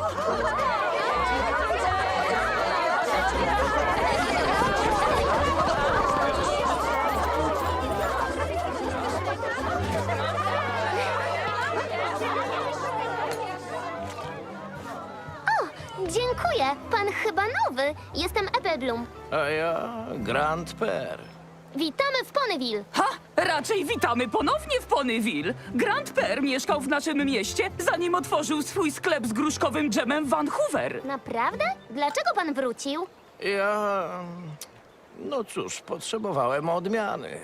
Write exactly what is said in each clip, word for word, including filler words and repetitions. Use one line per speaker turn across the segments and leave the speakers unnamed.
Dziękuję. Pan chyba nowy. Jestem Applebloom.
A ja Grand Père.
Witamy w Ponyville.
Ha! Raczej witamy ponownie w Ponyville. Grand Père mieszkał w naszym mieście, zanim otworzył swój sklep z gruszkowym dżemem w Vancouver.
Naprawdę? Dlaczego pan wrócił?
Ja... No cóż, potrzebowałem odmiany.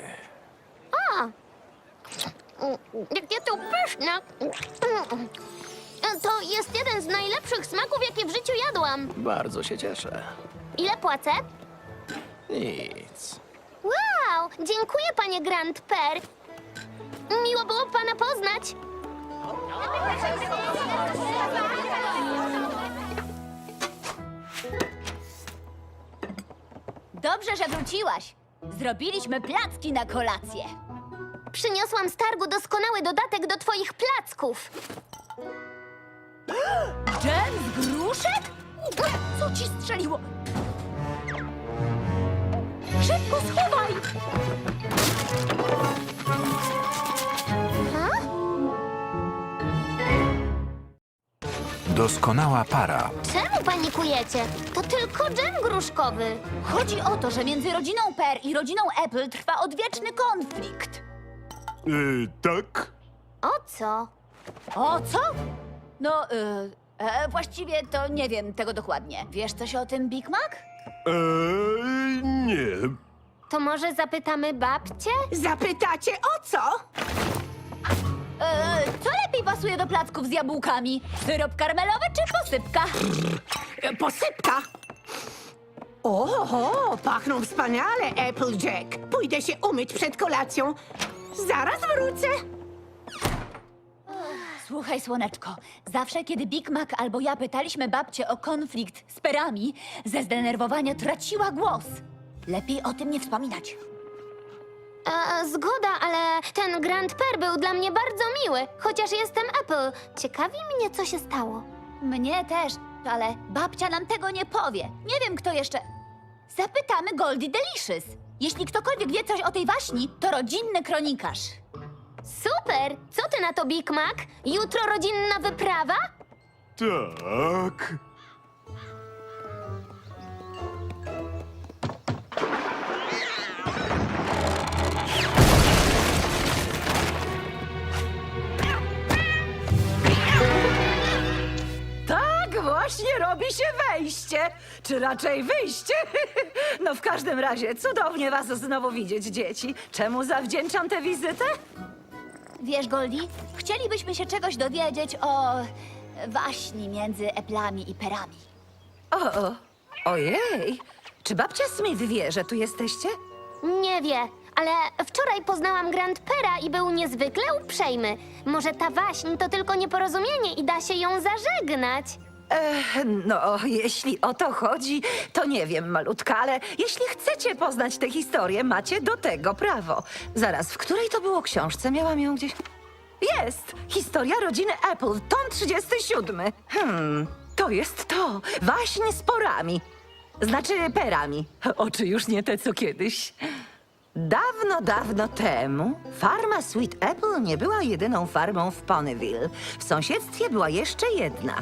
Jakie to pyszne. To jest jeden z najlepszych smaków, jakie w życiu jadłam.
Bardzo się cieszę.
Ile płacę?
Nic.
Wow! Dziękuję, panie Grand Père. Miło było pana poznać.
Dobrze, że wróciłaś. Zrobiliśmy placki na kolację.
Przyniosłam z targu doskonały dodatek do twoich placków.
Dżem z gruszek? Co ci strzeliło? Szybko schowaj!
Doskonała para.
Czemu panikujecie? To tylko dżem gruszkowy.
Chodzi o to, że między rodziną Per i rodziną Apple trwa odwieczny konflikt.
Yy, tak?
O co?
O co? No, y, e, właściwie to nie wiem tego dokładnie. Wiesz coś o tym, Big Mac?
Eee, nie.
To może zapytamy babcię?
Zapytacie o co?
E, co lepiej pasuje do placków z jabłkami? Syrop karmelowy czy posypka?
E, Posypka. Oho, pachną wspaniale, Applejack. Pójdę się umyć przed kolacją. Zaraz wrócę.
Słuchaj, słoneczko, zawsze kiedy Big Mac albo ja pytaliśmy babcię o konflikt z perami, ze zdenerwowania traciła głos. Lepiej o tym nie wspominać.
E, zgoda, ale ten Grand Père był dla mnie bardzo miły, chociaż jestem Apple. Ciekawi mnie, co się stało.
Mnie też, ale babcia nam tego nie powie. Nie wiem, kto jeszcze... Zapytamy Goldie Delicious. Jeśli ktokolwiek wie coś o tej waśni, to rodzinny kronikarz.
Super! Co ty na to, Big Mac? Jutro rodzinna wyprawa?
Tak.
Tak właśnie robi się wejście, czy raczej wyjście. No w każdym razie, cudownie was znowu widzieć, dzieci. Czemu zawdzięczam tę wizytę?
Wiesz, Goldie, chcielibyśmy się czegoś dowiedzieć o waśni między Eplami i Perami.
O, o, ojej, czy babcia Smith wie, że tu jesteście?
Nie wie, ale wczoraj poznałam Grand Pèra i był niezwykle uprzejmy. Może ta waśń to tylko nieporozumienie i da się ją zażegnać.
Ech, no, jeśli o to chodzi, to nie wiem, malutka, ale jeśli chcecie poznać tę historię, macie do tego prawo. Zaraz, w której to było książce? Miałam ją gdzieś... Jest! Historia rodziny Apple, tom trzydziesty siódmy. Hmm, to jest to. Waśń z porami. Znaczy perami. Oczy już nie te, co kiedyś. Dawno, dawno temu farma Sweet Apple nie była jedyną farmą w Ponyville. W sąsiedztwie była jeszcze jedna.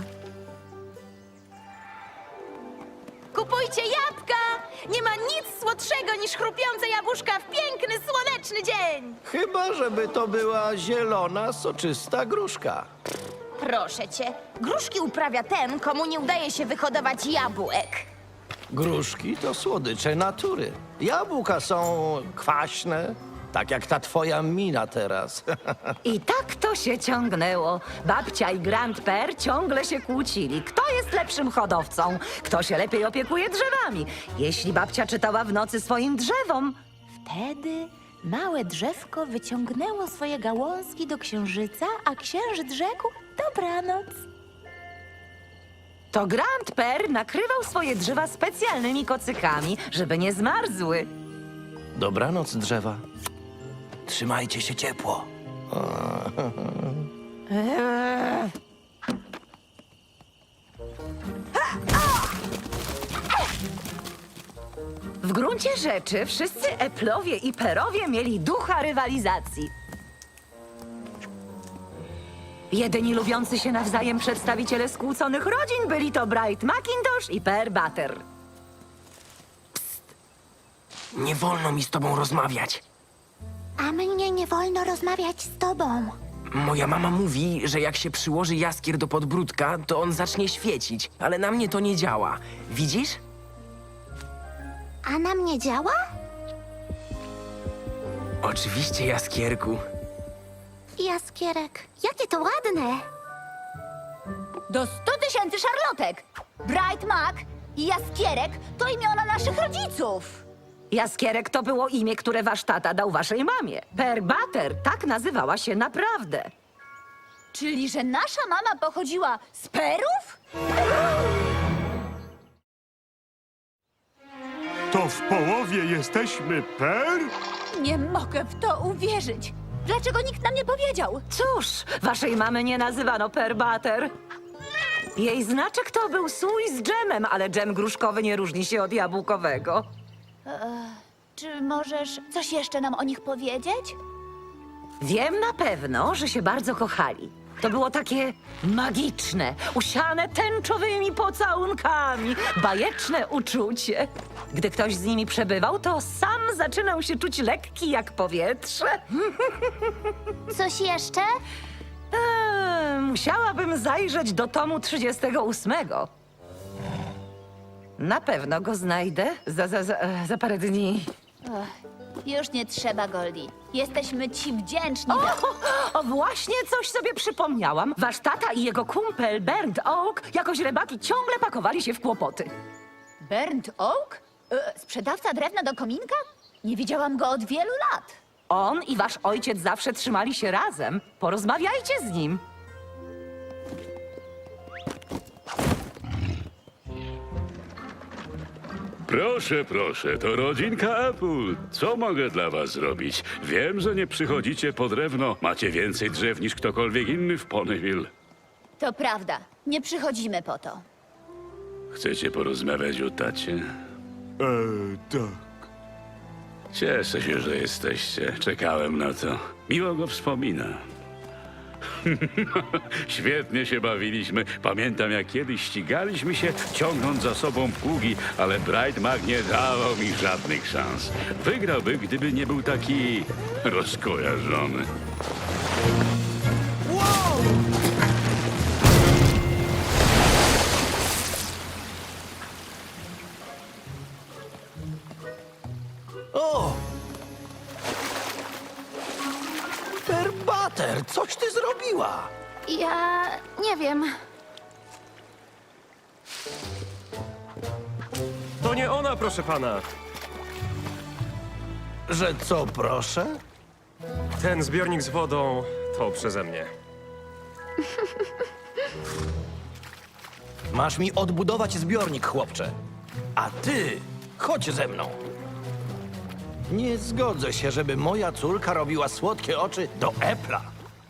Kupujcie jabłka! Nie ma nic słodszego niż chrupiące jabłuszka w piękny, słoneczny dzień!
Chyba, żeby to była zielona, soczysta gruszka.
Proszę cię, gruszki uprawia ten, komu nie udaje się wyhodować jabłek.
Gruszki to słodycze natury. Jabłka są kwaśne, tak jak ta twoja mina teraz.
I tak to się ciągnęło. Babcia i Grand Père ciągle się kłócili. Kto jest lepszym hodowcą? Kto się lepiej opiekuje drzewami? Jeśli babcia czytała w nocy swoim drzewom,
Wtedy małe drzewko wyciągnęło swoje gałązki do księżyca, a księżyc rzekł dobranoc.
to Grand Père nakrywał swoje drzewa specjalnymi kocykami, żeby nie zmarzły.
Dobranoc, drzewa. Trzymajcie się ciepło.
W gruncie rzeczy wszyscy Eplowie i Perowie mieli ducha rywalizacji. Jedyni lubiący się nawzajem przedstawiciele skłóconych rodzin byli to Bright Macintosh i Per Butter.
Nie wolno mi z tobą rozmawiać.
A mnie nie wolno rozmawiać z tobą.
Moja mama mówi, że jak się przyłoży jaskier do podbródka, to on zacznie świecić, ale na mnie to nie działa. Widzisz?
A na mnie działa?
Oczywiście, jaskierku.
Jaskierek, jakie to ładne.
Do stu tysięcy szarlotek! Bright Mac i Jaskierek to imiona naszych rodziców.
Jaskierek to było imię, które wasz tata dał waszej mamie. Per Butter tak nazywała się naprawdę.
Czyli, że nasza mama pochodziła z Perów?
To w połowie jesteśmy per?
Nie mogę w to uwierzyć. Dlaczego nikt nam nie powiedział?
Cóż, waszej mamy nie nazywano Per Butter. Jej znaczek to był słój z dżemem, ale dżem gruszkowy nie różni się od jabłkowego.
Czy możesz coś jeszcze nam o nich powiedzieć?
Wiem na pewno, że się bardzo kochali. To było takie magiczne, usiane tęczowymi pocałunkami, bajeczne uczucie. Gdy ktoś z nimi przebywał, to sam zaczynał się czuć lekki jak powietrze.
Coś jeszcze?
Eee, musiałabym zajrzeć do tomu trzydziestego ósmego. Na pewno go znajdę za, za, za, za parę dni.
Już nie trzeba, Goldie. Jesteśmy ci wdzięczni za...
O, właśnie coś sobie przypomniałam. Wasz tata i jego kumpel Bernd Oak jakoś rybaki ciągle pakowali się w kłopoty.
Bernd Oak? E, sprzedawca drewna do kominka? Nie widziałam go od wielu lat.
On i wasz ojciec zawsze trzymali się razem. Porozmawiajcie z nim.
Proszę, proszę, to rodzinka Apple. Co mogę dla was zrobić? Wiem, że nie przychodzicie po drewno. Macie więcej drzew niż ktokolwiek inny w Ponyville.
To prawda. Nie przychodzimy po to.
Chcecie porozmawiać o tacie?
Eee, tak.
Cieszę się, że jesteście. Czekałem na to. Miło go wspomina. Świetnie się bawiliśmy. Pamiętam, jak kiedyś ścigaliśmy się, ciągnąc za sobą pługi, ale Bright Mac nie dawał mi żadnych szans. Wygrałby, gdyby nie był taki rozkojarzony.
O! Per Butter, coś ty zrobiła?
Ja nie wiem.
To nie ona, proszę pana.
Że co, proszę?
Ten zbiornik z wodą to przeze mnie.
Masz mi odbudować zbiornik, chłopcze. A ty, chodź ze mną. Nie zgodzę się, żeby moja córka robiła słodkie oczy do Apple'a.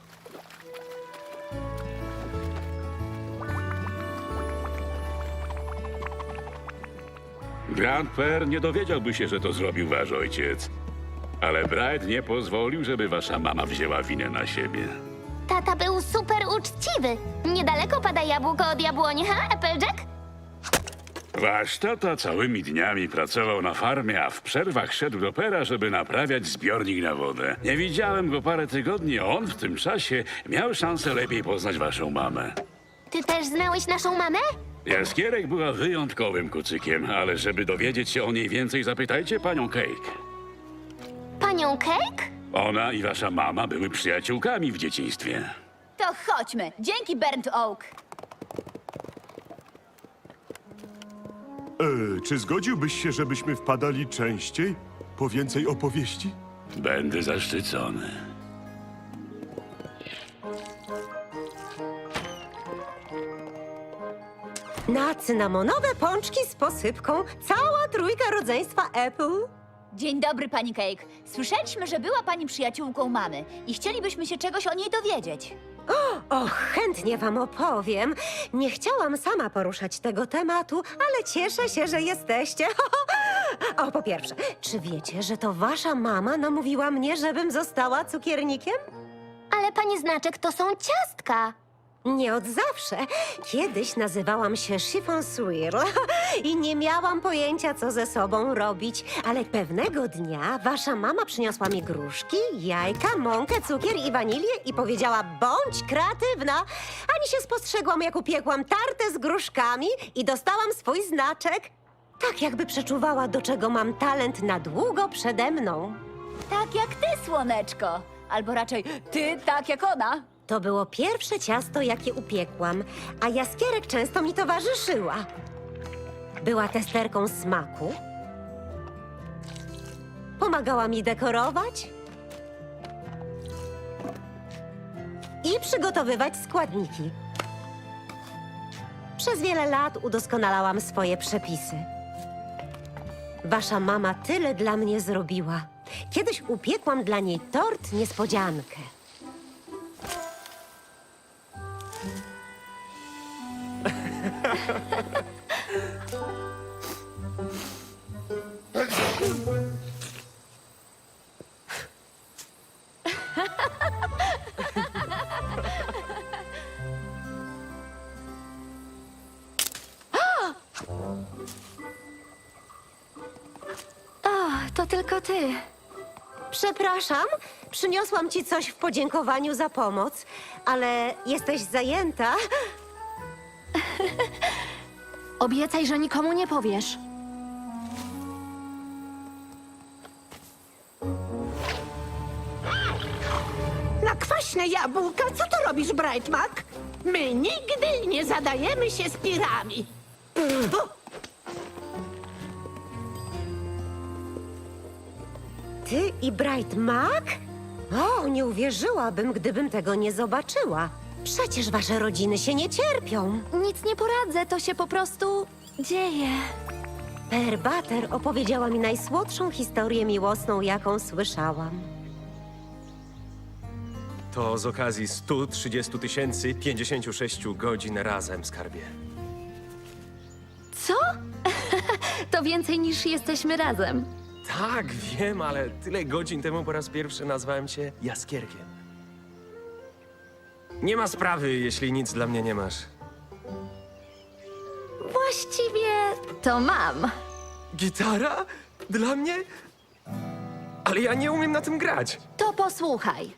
Grandper nie dowiedziałby się, że to zrobił wasz ojciec. Ale Bright nie pozwolił, żeby wasza mama wzięła winę na siebie.
Tata był super uczciwy. Niedaleko pada jabłko od jabłoni, ha, Applejack?
Wasz tata całymi dniami pracował na farmie, a w przerwach szedł do Pera, żeby naprawiać zbiornik na wodę. Nie widziałem go parę tygodni, a on w tym czasie miał szansę lepiej poznać waszą mamę.
Ty też znałeś naszą mamę?
Jaskierek była wyjątkowym kucykiem, ale żeby dowiedzieć się o niej więcej, zapytajcie panią Cake.
Panią Cake?
Ona i wasza mama były przyjaciółkami w dzieciństwie.
To chodźmy. Dzięki, Bernd Oak.
Eee, czy zgodziłbyś się, żebyśmy wpadali częściej? Po więcej opowieści?
Będę zaszczycony.
Na cynamonowe pączki z posypką cała trójka rodzeństwa Apple.
Dzień dobry, pani Cake. Słyszeliśmy, że była pani przyjaciółką mamy i chcielibyśmy się czegoś o niej dowiedzieć.
Och, chętnie wam opowiem. Nie chciałam sama poruszać tego tematu, ale cieszę się, że jesteście. O, po pierwsze, czy wiecie, że to wasza mama namówiła mnie, żebym została cukiernikiem?
Ale pani Znaczek, to są ciastka.
Nie od zawsze. Kiedyś nazywałam się Chiffon Swirl i nie miałam pojęcia, co ze sobą robić. Ale pewnego dnia wasza mama przyniosła mi gruszki, jajka, mąkę, cukier i wanilię i powiedziała: bądź kreatywna. Ani się spostrzegłam, jak upiekłam tartę z gruszkami i dostałam swój znaczek. Tak jakby przeczuwała, do czego mam talent na długo przede mną.
Tak jak ty, słoneczko. Albo raczej ty tak jak ona.
To było pierwsze ciasto, jakie upiekłam, a Jaskierek często mi towarzyszyła. Była testerką smaku, pomagała mi dekorować i przygotowywać składniki. Przez wiele lat udoskonalałam swoje przepisy. Wasza mama tyle dla mnie zrobiła. Kiedyś upiekłam dla niej tort niespodziankę.
O, to tylko ty.
Przepraszam, przyniosłam ci coś w podziękowaniu za pomoc, ale jesteś zajęta.
Obiecaj, że nikomu nie powiesz.
Na kwaśne jabłka, co to robisz, Brightmark? My nigdy nie zadajemy się z pirami.
Ty i Bright Mac? O, nie uwierzyłabym, gdybym tego nie zobaczyła. Przecież wasze rodziny się nie cierpią.
Nic nie poradzę, to się po prostu dzieje.
Per Butter opowiedziała mi najsłodszą historię miłosną, jaką słyszałam.
To z okazji stu trzydziestu tysięcy pięćdziesięciu sześciu godzin razem, skarbie.
Co? To więcej niż jesteśmy razem.
Tak, wiem, ale tyle godzin temu po raz pierwszy nazwałem cię Jaskierkiem. Nie ma sprawy, jeśli nic dla mnie nie masz.
Właściwie to mam.
Gitara? Dla mnie? Ale ja nie umiem na tym grać.
To posłuchaj.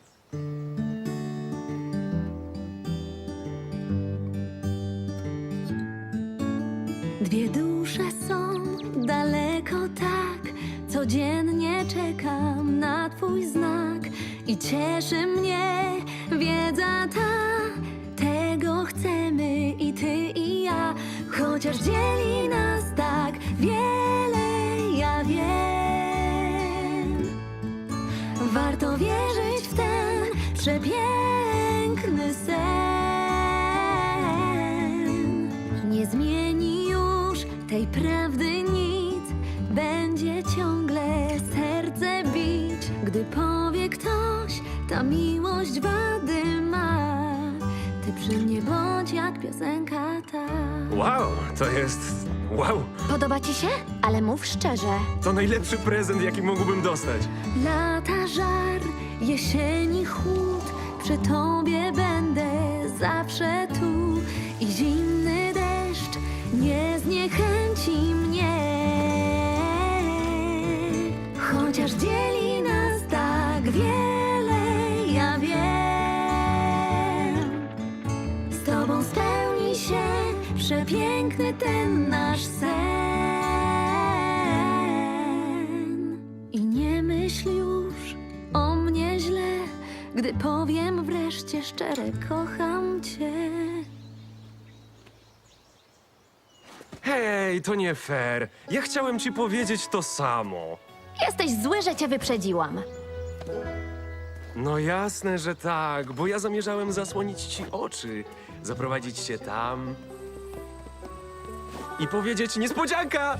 Dwie dusze są daleko tak, codziennie czekam na twój znak i cieszy mnie wiedza ta, tego chcemy i ty i ja, chociaż dzieli nas tak wiele, ja wiem. Warto wierzyć w ten przepiękny sen. Nie zmieni już tej prawdy nic, będzie ciągle serce bić, gdy powie ktoś, ta miłość wady ma. Ty przy mnie bądź jak piosenka ta.
Wow, to jest... wow!
Podoba ci się? Ale mów szczerze.
To najlepszy prezent, jaki mógłbym dostać.
Lata żar, jesieni chłód, przy tobie będę zawsze tu i zimny deszcz nie zniechęci mnie. Chociaż dzieli nas tak wiele, ja wiem. Z tobą spełni się przepiękny ten nasz sen. I nie myśl już o mnie źle, gdy powiem wreszcie szczerze, kocham cię.
Hej, to nie fair. Ja chciałem ci powiedzieć to samo.
Jesteś zły, że cię wyprzedziłam.
No jasne, że tak, bo ja zamierzałem zasłonić ci oczy, zaprowadzić cię tam i powiedzieć niespodzianka!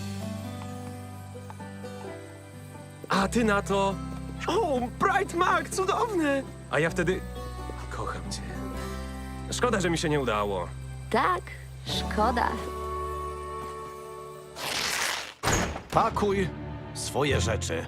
A ty na to... O, Bright Mac, cudowne! A ja wtedy... Kocham cię. Szkoda, że mi się nie udało.
Tak, szkoda.
Pakuj swoje rzeczy.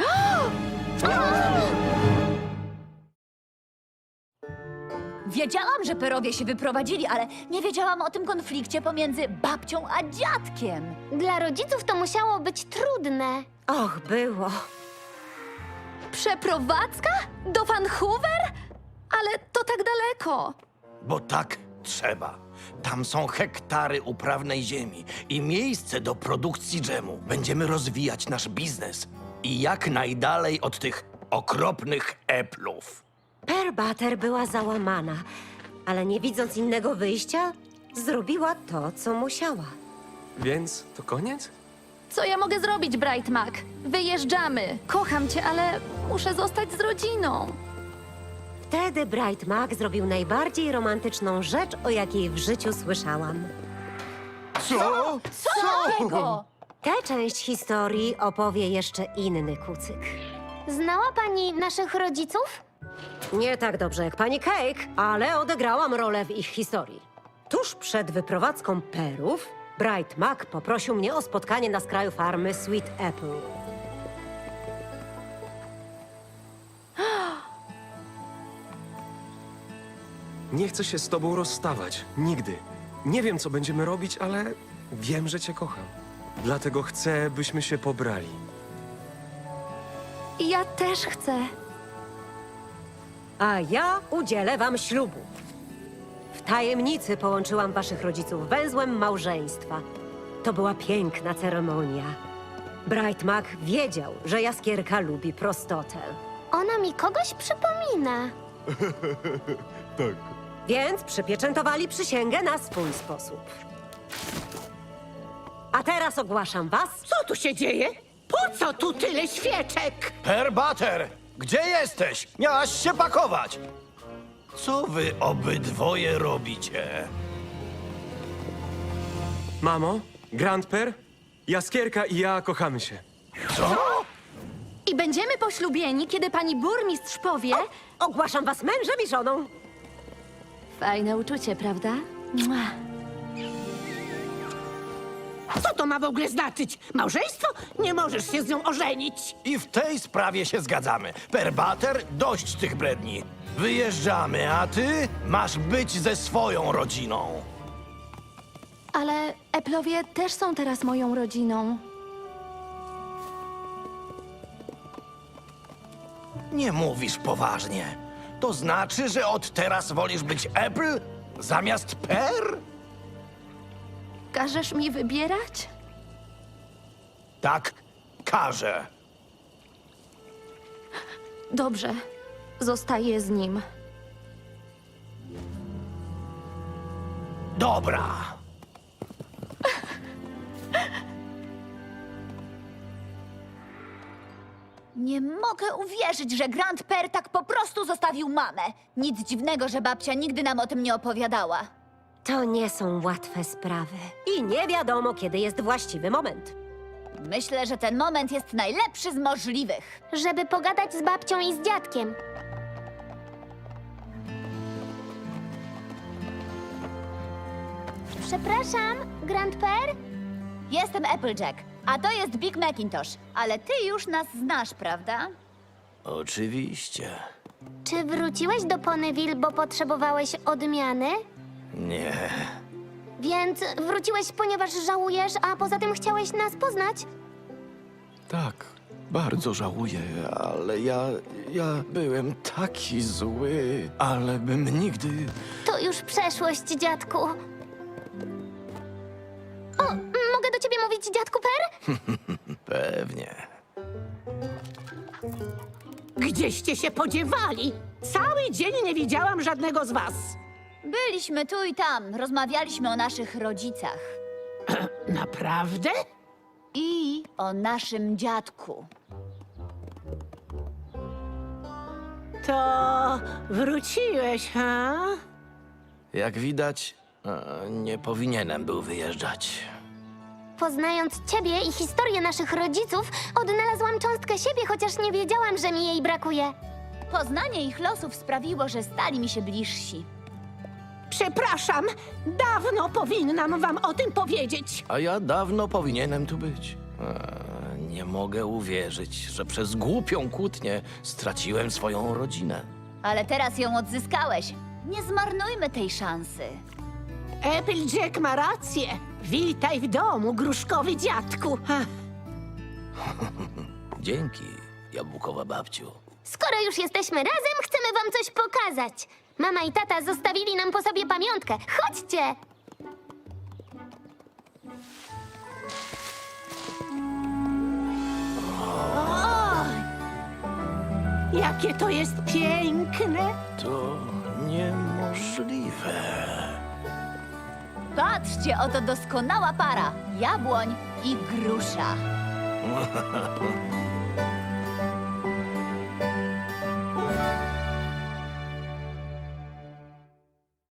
Wiedziałam, że Perowie się wyprowadzili, ale nie wiedziałam o tym konflikcie pomiędzy babcią a dziadkiem.
Dla rodziców to musiało być trudne.
Och, było.
Przeprowadzka? Do Vancouver? Ale to tak daleko.
Bo tak trzeba. Tam są hektary uprawnej ziemi i miejsce do produkcji dżemu. Będziemy rozwijać nasz biznes i jak najdalej od tych okropnych eplów.
Per Butter była załamana, ale nie widząc innego wyjścia, zrobiła to, co musiała.
Więc to koniec?
Co ja mogę zrobić, Bright Mac? Wyjeżdżamy. Kocham cię, ale muszę zostać z rodziną.
Wtedy Bright Mac zrobił najbardziej romantyczną rzecz, o jakiej w życiu słyszałam.
Co?
Co takiego?
Tę część historii opowie jeszcze inny kucyk.
Znała pani naszych rodziców?
Nie tak dobrze jak pani Cake, ale odegrałam rolę w ich historii. Tuż przed wyprowadzką Perów, Bright Mac poprosił mnie o spotkanie na skraju farmy Sweet Apple.
Nie chcę się z tobą rozstawać. Nigdy. Nie wiem, co będziemy robić, ale wiem, że cię kocham. Dlatego chcę, byśmy się pobrali.
Ja też chcę.
A ja udzielę wam ślubu. W tajemnicy połączyłam waszych rodziców węzłem małżeństwa. To była piękna ceremonia. Bright Mac wiedział, że Jaskierka lubi prostotę.
Ona mi kogoś przypomina.
Tak.
Więc przypieczętowali przysięgę na swój sposób. A teraz ogłaszam was.
Co tu się dzieje? Po co tu tyle świeczek?
Per Butter, gdzie jesteś? Miałaś się pakować. Co wy obydwoje robicie?
Mamo, Grandper, Jaskierka i ja kochamy się.
Co?
I będziemy poślubieni, kiedy pani burmistrz powie...
Ogłaszam was mężem i żoną.
Fajne uczucie, prawda? Mua.
Co to ma w ogóle znaczyć? Małżeństwo? Nie możesz się z nią ożenić.
I w tej sprawie się zgadzamy. Per Butter, dość tych bredni. Wyjeżdżamy, a ty masz być ze swoją rodziną.
Ale Eplowie też są teraz moją rodziną.
Nie mówisz poważnie. To znaczy, że od teraz wolisz być Apple zamiast Per?
Każesz mi wybierać?
Tak, każę.
Dobrze. Zostaję z nim.
Dobra.
Nie mogę uwierzyć, że Grand Per tak po prostu zostawił mamę. Nic dziwnego, że babcia nigdy nam o tym nie opowiadała.
To nie są łatwe sprawy. I nie wiadomo, kiedy jest właściwy moment.
Myślę, że ten moment jest najlepszy z możliwych.
Żeby pogadać z babcią i z dziadkiem. Przepraszam, Grand Per?
Jestem Applejack, a to jest Big Macintosh. Ale ty już nas znasz, prawda?
Oczywiście.
Czy wróciłeś do Ponyville, bo potrzebowałeś odmiany?
Nie.
Więc wróciłeś, ponieważ żałujesz, a poza tym chciałeś nas poznać?
Tak, bardzo żałuję, ale ja. ja byłem taki zły, ale bym nigdy.
To już przeszłość, dziadku. O, mogę do ciebie mówić, dziadku Per?
Pewnie.
Gdzieście się podziewali? Cały dzień nie widziałam żadnego z was.
Byliśmy tu i tam, rozmawialiśmy o naszych rodzicach.
Naprawdę?
I o naszym dziadku.
To wróciłeś, ha?
Jak widać, e, nie powinienem był wyjeżdżać.
Poznając ciebie i historię naszych rodziców, odnalazłam cząstkę siebie, chociaż nie wiedziałam, że mi jej brakuje.
Poznanie ich losów sprawiło, że stali mi się bliżsi.
Przepraszam, dawno powinnam wam o tym powiedzieć.
A ja dawno powinienem tu być. E, Nie mogę uwierzyć, że przez głupią kłótnię straciłem swoją rodzinę.
Ale teraz ją odzyskałeś. Nie zmarnujmy tej szansy.
Applejack ma rację. Witaj w domu, gruszkowy dziadku. Ha.
Dzięki, jabłkowa babciu.
Skoro już jesteśmy razem, chcemy wam coś pokazać. Mama i tata zostawili nam po sobie pamiątkę. Chodźcie!
Jakie to jest piękne.
To niemożliwe.
Patrzcie, oto doskonała para. Jabłoń i grusza.